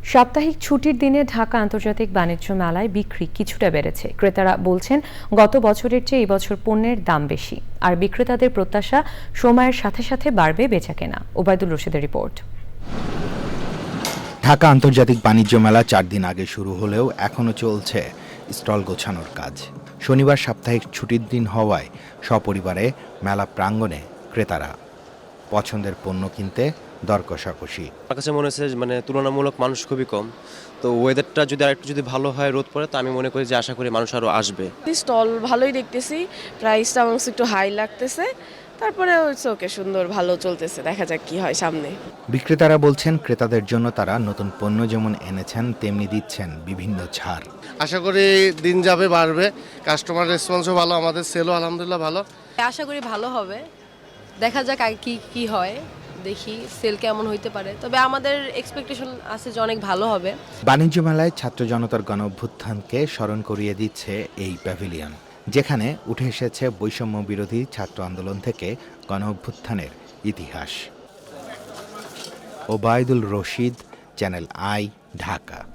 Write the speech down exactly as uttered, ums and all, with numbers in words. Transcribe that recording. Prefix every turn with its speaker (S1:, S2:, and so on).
S1: সাপ্তাহিক ছুটির দিনে ঢাকা আন্তর্জাতিক বাণিজ্য মেলায় বিক্রি কিছুটা বেড়েছে। ক্রেতারা বলছেন গত বছরের চেয়ে এই বছর পণ্যের দাম বেশি, আর বিক্রেতাদের প্রত্যাশা সময়ের সাথে সাথে বাড়বে বেচাকেনা। ওবায়দুল রশিদের রিপোর্ট।
S2: ঢাকা আন্তর্জাতিক বাণিজ্য মেলা চার দিন আগে শুরু হলেও এখনো চলছে স্টল গোছানোর কাজ। শনিবার সাপ্তাহিক ছুটির দিন হওয়ায় সপরিবারে মেলা প্রাঙ্গণে ক্রেতারা পছন্দের পণ্য কিনতে দর কষাকষি।
S3: আমার কাছে মনে হচ্ছে মানে তুলনামূলক মানুষ খুবই কম, তো ওয়েদারটা যদি আরেকটু যদি ভালো হয়, রোদ পড়ে, তো আমি মনে করি যে আশা করি মানুষ আরও আসবে।
S4: স্টল ভালোই দেখতেছি, প্রাইসটা আমার একটু হাই লাগতেছে, তারপরে হচ্ছে ওকে সুন্দর ভালো চলতেছে, দেখা যাক কি হয় সামনে।
S2: বিক্রেতারা বলছেন ক্রেতাদের জন্য তারা নতুন পণ্য যেমন এনেছেন তেমনি দিচ্ছেন বিভিন্ন ছাড়।
S5: আশা করি দিন যাবে বাড়বে, কাস্টমার রেসপন্সও ভালো, আমাদের সেলও আলহামদুলিল্লাহ ভালো।
S6: আশা করি ভালো হবে, দেখা যাক আগে কি কি হয়, দেখি সেল কেমন হইতে পারে, তবে আমাদের এক্সপেকটেশন আছে যে অনেক ভালো হবে।
S2: বাণিজ্য মেলায় ছাত্র জনতার গণ অভ্যুত্থানকে স্মরণ করিয়ে দিচ্ছে এই প্যাভিলিয়ন, যেখানে উঠে এসেছে বৈষম্য বিরোধী ছাত্র আন্দোলন থেকে গণ অভ্যুত্থানের ইতিহাস। Obaidul Rashid, Channel I, Dhaka.